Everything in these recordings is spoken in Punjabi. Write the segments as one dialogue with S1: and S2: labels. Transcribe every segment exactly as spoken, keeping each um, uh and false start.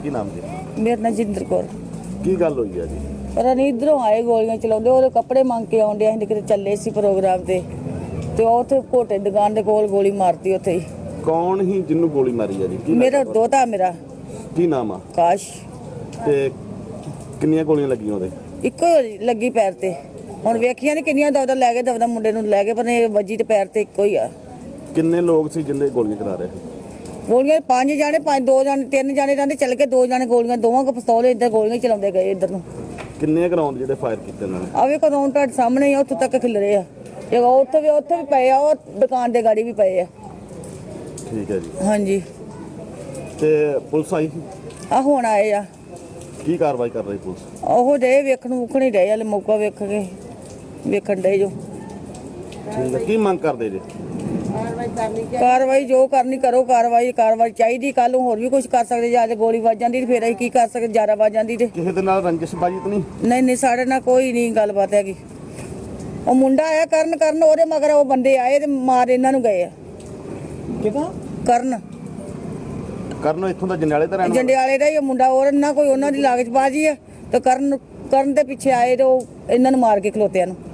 S1: ਕੀ ਨਾਮ ਜੀ?
S2: ਮੇਰਾ ਨਾਂ ਜਿੰਦਰ ਕੌਰ।
S1: ਕੀ ਗੱਲ ਹੋਈ ਹੈ ਜੀ?
S2: ਪਤਾ ਨਹੀਂ ਇੱਧਰੋਂ ਆਏ ਗੋਲੀਆਂ ਚਲਾਉਂਦੇ, ਉਹਦੇ ਕੱਪੜੇ ਮੰਗ ਕੇ ਆਉਂਦੇ, ਅਸੀਂ ਕਿਤੇ ਚੱਲੇ ਸੀ ਪ੍ਰੋਗਰਾਮ ਤੇ ਤੇ ਉੱਥੇ ਘੋਟੇ ਦੁਕਾਨ ਦੇ ਕੋਲ ਗੋਲੀ ਮਾਰਤੀ ਉੱਥੇ ਹੀ।
S1: ਕੌਣ ਹੀ ਜਿਹਨੂੰ ਗੋਲੀ ਮਾਰੀ ਹੈ ਜੀ? ਕੀ
S2: ਮੇਰਾ ਦੋਤਾ, ਮੇਰਾ
S1: ਕੀ ਨਾਮ ਆ?
S2: ਕਾਸ਼।
S1: ਤੇ ਕਿੰਨੀਆਂ ਗੋਲੀਆਂ ਲੱਗੀਆਂ ਉਹਦੇ?
S2: ਇੱਕੋ ਲੱਗੀ ਪੈਰ ਤੇ। ਹੁਣ ਵੇਖੀਆਂ ਨੇ ਕਿੰਨੀਆਂ ਦਵਦਾ ਲੈ ਗਏ, ਦਵਦਾ ਮੁੰਡੇ ਨੂੰ ਲੈ ਗਏ, ਪਰ ਇਹ ਵੱਜੀ ਤੇ ਪੈਰ ਤੇ ਇੱਕੋ ਹੀ ਆ।
S1: ਕਿੰਨੇ ਲੋਕ ਸੀ ਜਿੰਦੇ ਗੋਲੀਆਂ ਚਲਾ ਰਹੇ?
S2: ਗੋਲੀਆਂ ਪੰਜ ਜਾਣੇ, ਪੰਜ ਦੋ ਜਾਣੇ, ਤਿੰਨ ਜਾਣੇ ਰਹਿੰਦੇ, ਚੱਲ ਕੇ ਦੋ ਜਾਣੇ ਗੋਲੀਆਂ, ਦੋਵਾਂ ਕੋ ਪਿਸਤੌਲ ਇੱਧਰ ਗੋਲੀਆਂ ਚਲਾਉਂਦੇ ਗਏ ਇੱਧਰ ਨੂੰ।
S1: ਕਿੰਨੇ ਗਰਾਊਂਡ ਜਿਹੜੇ ਫਾਇਰ ਕੀਤੇ ਉਹਨਾਂ ਨੇ?
S2: ਆਵੇ ਕਦੋਂ ਤੁਹਾਡੇ ਸਾਹਮਣੇ ਹੀ ਆ, ਉੱਥੋਂ ਤੱਕ ਖਿਲ ਰਹੇ ਆ। ਇਹ ਉੱਥੇ ਵੀ ਉੱਥੇ ਵੀ ਪਏ ਆ, ਉਹ ਦੁਕਾਨ ਦੇ ਗਾੜੀ ਵੀ ਪਏ ਆ।
S1: ਠੀਕ ਹੈ ਜੀ।
S2: ਹਾਂਜੀ।
S1: ਤੇ ਪੁਲਿਸ ਆਈ ਸੀ?
S2: ਆ ਹੁਣ ਆਏ ਆ।
S1: ਕੀ ਕਾਰਵਾਈ ਕਰ ਰਹੀ ਪੁਲਿਸ?
S2: ਉਹ ਡੇ ਵੇਖਣ ਵੂਖਣ ਹੀ ਰਹੇ, ਹਲੇ ਮੌਕਾ ਵੇਖ ਕੇ ਵੇਖਣ ਡੇ ਜੋ।
S1: ਠੀਕ ਹੈ। ਕੀ ਮੰਗ ਕਰਦੇ ਜੀ?
S2: ਕਾਰਵਾਈ ਜੋ ਕਰਨੀ ਕਰੋ, ਕਾਰਵਾਈ ਕਾਰਵਾਈ ਚਾਹੀਦੀ। ਕੱਲ ਨੂੰ ਹੋਰ ਵੀ ਕੁਝ ਕਰ ਸਕਦੇ, ਜਾਂ ਗੋਲੀ ਵੱਜ ਜਾਂਦੀ ਤੇ ਫਿਰ ਅਸੀਂ ਕੀ ਕਰ ਸਕਦੇ? ਜ਼ਿਆਦਾ ਵੱਜ ਜਾਂਦੀ ਤੇ
S1: ਕਿਸੇ ਦੇ ਨਾਲ ਰੰਜਿਸ਼ਬਾਜੀ ਤਾਂ ਨਹੀਂ?
S2: ਨਹੀਂ ਨਹੀਂ, ਸਾਡੇ ਨਾਲ ਕੋਈ ਨਹੀਂ ਗੱਲਬਾਤ ਹੈਗੀ। ਉਹ ਮੁੰਡਾ ਆਇਆ ਕਰਨ ਕਰਨ ਉਹਦੇ ਮਗਰ ਉਹ ਬੰਦੇ ਆਏ ਤੇ ਮਾਰ ਇਹਨਾਂ ਨੂੰ ਗਏ ਆ। ਕਿਹਦਾ? ਕਰਨ।
S1: ਕਰਨ ਇੱਥੋਂ ਦਾ ਜੰਡਿਆਲੇ ਦਾ ਰਹਿਣ ਵਾਲਾ?
S2: ਜੰਡਿਆਲੇ ਦਾ ਹੀ ਉਹ ਮੁੰਡਾ, ਹੋਰ ਨਾ ਕੋਈ ਉਹਨਾਂ ਦੀ ਲਾਗਚਬਾਜ਼ੀ ਆ ਤੇ ਕਰਨ ਕਰਨ ਦੇ ਪਿੱਛੇ ਆਏ ਤੇ ਉਹ ਇਹਨਾਂ ਨੂੰ ਮਾਰ ਕੇ ਖਲੋਤਿਆਂ ਨੂੰ।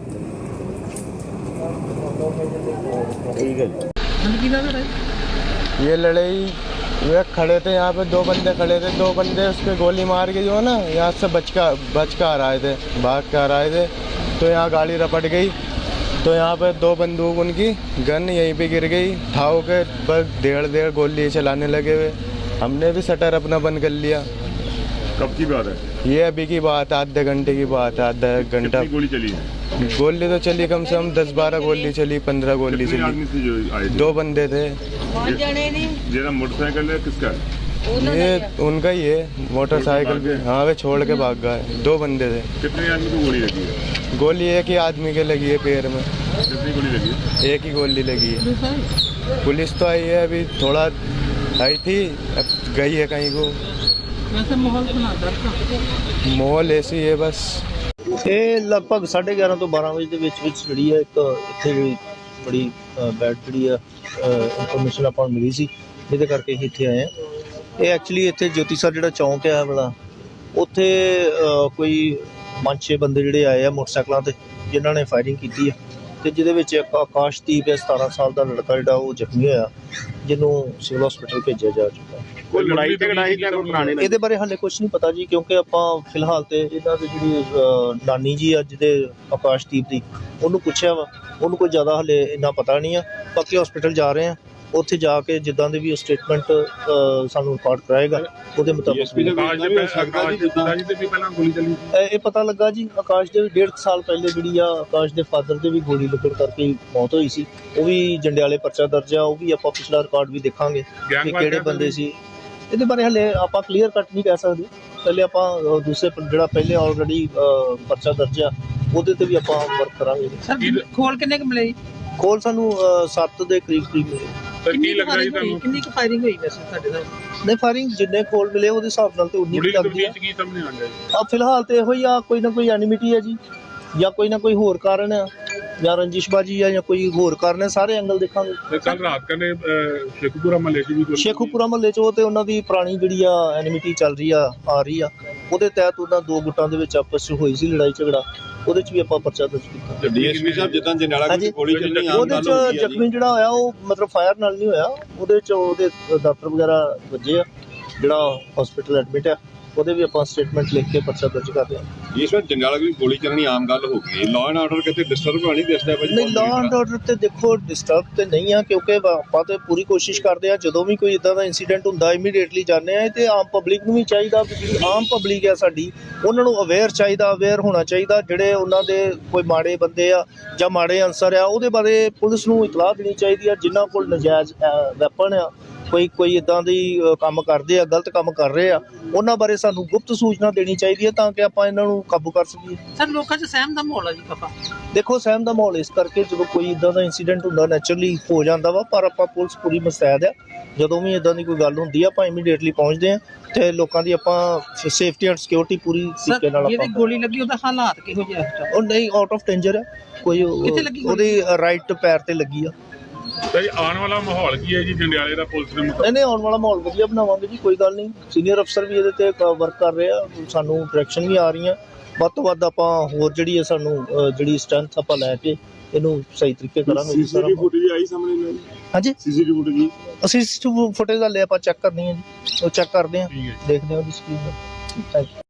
S1: ठीक है
S3: ये लड़ाई वे खड़े थे यहाँ पे, दो बंदे खड़े थे, दो बंदे उसके गोली मार के जो है ना यहाँ से बच कर बच कर आ रहे थे, भाग कर आ रहे थे। तो यहाँ गाड़ी रपट गई, तो यहाँ पे दो बंदूक उनकी गन यहीं पे गिर गई, ठाव के बस डेढ़ डेढ़ गोली चलाने लगे हुए। हमने भी शटर अपना बंद कर लिया।
S4: कब की बात है
S3: ये? अभी की बात है, आधे घंटे की बात है। आधा घंटा
S4: गोली चली है?
S3: गोली तो चली कम से कम दस बारह गोली चली, पंद्रह गोली चली।
S4: आदमी थे जो आए थे?
S3: दो बंदे थे।
S4: जेरा मोटरसाइकिल है किसका है?
S3: ये उनका ही है, मोटरसाइकिल भी। हाँ वे छोड़ के भाग गए। दो बंदे थे।
S4: कितने आदमी को गोली लगी है?
S3: गोली एक ही आदमी के लगी है पैर में।
S4: कितनी गोली लगी है?
S3: एक ही गोली लगी है। पुलिस तो आई है, अभी थोड़ा आई थी, अब गई है कहीं को।
S5: वैसे माहौल
S3: माहौल ऐसी है बस।
S6: ਇਹ ਲਗਭਗ ਸਾਢੇ ਗਿਆਰਾਂ ਤੋਂ ਬਾਰਾਂ ਵਜੇ ਦੇ ਵਿੱਚ ਵਿੱਚ ਜਿਹੜੀ ਹੈ ਇੱਕ ਇੱਥੇ ਜਿਹੜੀ ਬੜੀ ਬੈਡ ਜਿਹੜੀ ਆ ਇਨਫੋਰਮੇਸ਼ਨ ਆਪਾਂ ਨੂੰ ਮਿਲੀ ਸੀ, ਜਿਹਦੇ ਕਰਕੇ ਅਸੀਂ ਇੱਥੇ ਆਏ ਹਾਂ। ਇਹ ਐਕਚੁਅਲੀ ਇੱਥੇ ਜੋਤੀ ਸਰ ਜਿਹੜਾ ਚੌਂਕ ਹੈ ਵਾਲਾ, ਉੱਥੇ ਕੋਈ ਪੰਜ ਛੇ ਬੰਦੇ ਜਿਹੜੇ ਆਏ ਆ ਮੋਟਰਸਾਈਕਲਾਂ 'ਤੇ, ਜਿਨ੍ਹਾਂ ਨੇ ਫਾਇਰਿੰਗ ਕੀਤੀ ਹੈ ਤੇ ਜਿਹਦੇ ਵਿੱਚ ਇੱਕ ਆਕਾਸ਼ਦੀਪ ਹੈ ਸਤਾਰਾਂ ਸਾਲ ਦਾ ਲੜਕਾ ਜਿਹੜਾ ਉਹ ਜ਼ਖਮੀ ਹੋਇਆ, ਜਿਹਨੂੰ ਸਿਵਲ ਹਸਪੀਟਲ ਭੇਜਿਆ ਜਾ ਚੁੱਕਾ।
S1: ਕੋਈ ਲੜਾਈ ਝਗੜਾ ਸੀ ਜਾਂ ਕੋਈ ਪੁਰਾਣੇ?
S6: ਇਹਦੇ ਬਾਰੇ ਹਾਲੇ ਕੁਝ ਨਹੀਂ ਪਤਾ ਜੀ, ਕਿਉਂਕਿ ਆਪਾਂ ਫਿਲਹਾਲ ਤੇ ਇਹਨਾਂ ਦੀ ਜਿਹੜੀ ਨਾਨੀ ਜੀ ਅੱਜ ਦੇ ਆਕਾਸ਼ਦੀਪ ਦੀ, ਉਹਨੂੰ ਪੁੱਛਿਆ ਵਾ, ਉਹਨੂੰ ਕੋਈ ਜ਼ਿਆਦਾ ਹਾਲੇ ਇੰਨਾ ਪਤਾ ਨਹੀਂ ਆ। ਬਾਕੀ ਹਸਪੀਟਲ ਜਾ ਰਹੇ ਆ, ਉੱਥੇ ਜਾ ਕੇ ਜਿੱਦਾਂ ਦੇ ਵੀ ਸਟੇਟਮੈਂਟ ਸਾਨੂੰ ਰਿਕਾਰਡ ਕਰਾਏਗਾ ਉਹਦੇ ਮੁਤਾਬਕ ਇਹ ਪਤਾ ਲੱਗਾ ਜੀ। ਆਕਾਸ਼ ਦੇ ਵੀ ਡੇਢ ਸਾਲ ਪਹਿਲੇ ਜਿਹੜੀ ਆ ਆਕਾਸ਼ ਦੇ ਫਾਦਰ ਦੇ ਵੀ ਗੋਲੀ ਲੱਗਣ ਕਰਕੇ ਮੌਤ ਹੋਈ ਸੀ। ਉਹ ਵੀ ਜੰਡਿਆਲੇ ਪਰਚਾ ਦਰਜ ਆ, ਉਹ ਵੀ ਆਪਾਂ ਪਿਛਲਾ ਰਿਕਾਰਡ ਵੀ ਦੇਖਾਂਗੇ ਕਿ ਕਿਹੜੇ ਬੰਦੇ ਸੀ। ਇਹਦੇ ਬਾਰੇ ਹਲੇ ਆਪਾਂ ਕਲੀਅਰ ਕੱਟ ਨਹੀਂ ਕਹਿ ਸਕਦੇ। ਪਹਿਲੇ ਆਪਾਂ ਦੂਸਰੇ ਜਿਹੜਾ ਪਹਿਲੇ ਆਲਰੇਡੀ ਪਰਚਾ ਦਰਜ ਆ ਉਹਦੇ ਤੇ ਵੀ ਆਪਾਂ ਵਰਕ ਕਰਾਂਗੇ।
S5: ਸਰ ਖੋਲ ਕਿੰਨੇ ਕੁ ਮਿਲੇ?
S6: ਖੋਲ ਸਾਨੂੰ ਸੱਤ ਦੇ ਕਰੀਬ ਕਰੀਬ ਮਿਲੇ।
S5: ਕੀ ਲੱਗਦਾ ਜੀ ਤੁਹਾਨੂੰ ਕਿੰਨੀ ਕੁ ਫਾਇਰਿੰਗ ਹੋਈ ਵੈਸੇ ਤੁਹਾਡੇ ਨਾਲ?
S6: ਨਹੀਂ, ਫਾਇਰਿੰਗ ਜਿੰਨੇ ਖੋਲ ਮਿਲੇ ਉਹਦੇ ਹਿਸਾਬ ਨਾਲ ਤੇ ਉਨੀ ਹੀ ਲੱਗਦੀ ਆ।
S4: ਕੀ ਸਾਹਮਣੇ ਆ ਗਿਆ
S6: ਆ ਫਿਲਹਾਲ ਤੇ ਇਹੋ ਹੀ ਆ, ਕੋਈ ਨਾ ਕੋਈ ਐਨਿਮਿਟੀ ਹੈ ਜੀ, ਜਾਂ ਕੋਈ ਨਾ ਕੋਈ ਹੋਰ ਕਾਰਨ ਆ, ਜਾਂ ਰੰਜਿਸ਼ਬਾਜੀ ਆ, ਜਾਂ ਕੋਈ ਹੋਰ ਕਾਰਨ ਹੈ। ਸਾਰੇ ਐਂਗਲ ਦੇਖਾਂਗੇ।
S4: ਕੱਲ ਰਾਤ ਕਨੇ ਸ਼ੇਖੂਪੁਰਾ ਮਹੱਲੇ 'ਚ ਵੀ
S6: ਸ਼ੇਖੂਪੁਰਾ ਮਹੱਲੇ 'ਚ ਉਹ ਤੇ ਉਹਨਾਂ ਦੀ ਪੁਰਾਣੀ ਜਿਹੜੀ ਆ ਐਨਿਮਿਟੀ ਚੱਲ ਰਹੀ ਆ ਆ ਰਹੀ ਆ, ਉਹਦੇ ਤਹਿਤ ਉਹਨਾਂ ਦੋ ਗੁੱਟਾਂ ਦੇ ਵਿੱਚ ਆਪਸ 'ਚ ਹੋਈ ਸੀ ਲੜਾਈ ਝਗੜਾ, ਉਹਦੇ 'ਚ ਵੀ ਆਪਾਂ ਪਰਚਾ ਦਰਜ ਕੀਤਾ।
S4: ਡੀਐਸਪੀ ਸਾਹਿਬ ਜਿੱਦਾਂ ਜਨਾਲਾ ਦੀ ਗੋਲੀ ਚੱਲਣੀ ਆ,
S6: ਉਹਦੇ 'ਚ ਜ਼ਖਮੀ ਜਿਹੜਾ ਹੋਇਆ ਉਹ ਮਤਲਬ ਫਾਇਰ ਨਾਲ ਨਹੀਂ ਹੋਇਆ, ਉਹਦੇ 'ਚ ਉਹਦੇ ਡਾਕਟਰ ਵਗੈਰਾ ਵੱਜੇ ਆ, ਜਿਹੜਾ ਹਸਪੀਟਲ ਐਡਮਿਟ ਆ, ਉਹਦੇ ਵੀ ਆਪਾਂ ਸਟੇਟਮੈਂਟ ਲਿਖ ਕੇ ਪਰਚਾ ਦਰਜ ਕਰਦੇ ਹਾਂ।
S4: ਇਸ ਵਾਰ ਜੰਡਿਆਲਾ ਦੀ ਗੋਲੀ ਚੱਲਣੀ ਆਮ ਗੱਲ ਹੋ ਗਈ। ਲਾਅ ਐਂਡ ਆਰਡਰ ਕਿਤੇ ਡਿਸਟਰਬ ਨਹੀਂ ਦਿਸਦਾ ਭਾਜੀ?
S6: ਨਹੀਂ, ਲਾਅ ਐਂਡ ਆਰਡਰ ਤੇ ਦੇਖੋ ਡਿਸਟਰਬ ਤੇ ਨਹੀਂ ਆ, ਕਿਉਂਕਿ ਆਪਾਂ ਤੇ ਪੂਰੀ ਕੋਸ਼ਿਸ਼ ਕਰਦੇ ਆ ਜਦੋਂ ਵੀ ਕੋਈ ਇਦਾਂ ਦਾ ਇਨਸੀਡੈਂਟ ਹੁੰਦਾ ਇਮੀਡੀਏਟਲੀ ਜਾਂਦੇ ਆ। ਤੇ ਆਮ ਪਬਲਿਕ ਨੂੰ ਵੀ ਚਾਹੀਦਾ, ਜਿਹੜੀ ਆਮ ਪਬਲਿਕ ਆ ਸਾਡੀ, ਉਹਨਾਂ ਨੂੰ ਅਵੇਅਰ ਚਾਹੀਦਾ, ਅਵੇਅਰ ਹੋਣਾ ਚਾਹੀਦਾ। ਜਿਹੜੇ ਉਹਨਾਂ ਦੇ ਕੋਈ ਮਾੜੇ ਬੰਦੇ ਆ ਜਾਂ ਮਾੜੇ ਅਨਸਰ ਆ, ਉਹਦੇ ਬਾਰੇ ਪੁਲਿਸ ਨੂੰ ਇਤਲਾਹ ਦੇਣੀ ਚਾਹੀਦੀ ਆ। ਜਿਨ੍ਹਾਂ ਕੋਲ ਨਜਾਇਜ਼ ਵੈਪਨ ਆ, ਕੋਈ ਕੋਈ ਇੱਦਾਂ ਦੀ ਕੰਮ ਕਰਦੇ ਆ, ਗਲਤ ਕੰਮ ਕਰ ਰਹੇ ਆ, ਉਹਨਾਂ ਬਾਰੇ ਸਾਨੂੰ ਗੁਪਤ ਸੂਚਨਾ ਦੇਣੀ ਚਾਹੀਦੀ ਹੈ ਤਾਂ ਕਿ ਆਪਾਂ ਇਹਨਾਂ ਨੂੰ ਕਾਬੂ ਕਰ ਸਕੀਏ।
S5: ਸਰ ਲੋਕਾਂ 'ਚ ਸਹਿਮ ਦਾ ਮਾਹੌਲ ਆ ਜੀ ਪਾਪਾ?
S6: ਦੇਖੋ ਸਹਿਮ ਦਾ ਮਾਹੌਲ ਇਸ ਕਰਕੇ ਜਦੋਂ ਕੋਈ ਇੱਦਾਂ ਦਾ ਇਨਸੀਡੈਂਟ ਹੁੰਦਾ ਨੈਚੁਰਲੀ ਹੋ ਜਾਂਦਾ ਵਾ, ਪਰ ਆਪਾਂ ਪੁਲਿਸ ਪੂਰੀ ਮੁਸਤੈਦ ਆ। ਜਦੋਂ ਵੀ ਇੱਦਾਂ ਦੀ ਕੋਈ ਗੱਲ ਹੁੰਦੀ ਆ ਆਪਾਂ ਇਮੀਡੀਏਟਲੀ ਪਹੁੰਚਦੇ ਆ ਤੇ ਲੋਕਾਂ ਦੀ ਆਪਾਂ ਸੇਫਟੀ ਐਂਡ ਸਿਕਿਉਰਿਟੀ ਪੂਰੀ ਤਰੀਕੇ ਨਾਲ ਆਪਾਂ।
S5: ਜਿਹੜੀ ਗੋਲੀ ਲੱਗੀ ਉਹਦਾ ਹਾਲਾਤ ਕਿਹੋ ਜਿਹਾ?
S6: ਉਹ ਨਹੀਂ, ਆਊਟ ਆਫ ਡੇਂਜਰ ਆ ਕੋਈ। ਉਹਦੀ ਰਾਈਟ ਪੈਰ ਤੇ ਲੱਗੀ ਆ।
S7: ਤੇ ਆਉਣ ਵਾਲਾ ਮਾਹੌਲ ਕੀ ਹੈ ਜੀ ਜੰਡਿਆਲੇ ਦਾ ਪੁਲਿਸ ਦੇ ਮੁਤਾਬਕ?
S6: ਨਹੀਂ ਨਹੀਂ, ਆਉਣ ਵਾਲਾ ਮਾਹੌਲ ਵਧੀਆ ਬਣਾਵਾਂਗੇ ਜੀ, ਕੋਈ ਗੱਲ ਨਹੀਂ। ਸੀਨੀਅਰ ਅਫਸਰ ਵੀ ਇਹਦੇ ਤੇ ਵਰਕ ਕਰ ਰਹੇ ਆ, ਸਾਨੂੰ ਡਾਇਰੈਕਸ਼ਨ ਵੀ ਆ ਰਹੀਆਂ। ਵੱਧ ਤੋਂ ਵੱਧ ਆਪਾਂ ਹੋਰ ਜਿਹੜੀ ਹੈ ਸਾਨੂੰ ਅ, ਜਿਹੜੀ ਸਟਰੈਂਥ ਆਪਾਂ ਲੈ ਕੇ ਇਹਨੂੰ ਸਹੀ ਤਰੀਕੇ ਕਰਾਂਗੇ ਜੀ ਸਾਰਾ।
S4: ਫੁਟੇਜ ਆਈ ਸਾਹਮਣੇ?
S6: ਹਾਂਜੀ,
S4: ਸੀਸੀਟੀਵੀ ਫੁਟੇਜ
S6: ਅਸੀਂ ਫੁਟੇਜ ਦਾ ਲੈ ਆਪਾਂ ਚੈੱਕ ਕਰਨੀ ਹੈ ਜੀ, ਉਹ ਚੈੱਕ ਕਰਦੇ ਹਾਂ, ਦੇਖਦੇ ਹਾਂ ਉਹਦੀ ਸਕਰੀਨ ਦਾ। Thank you.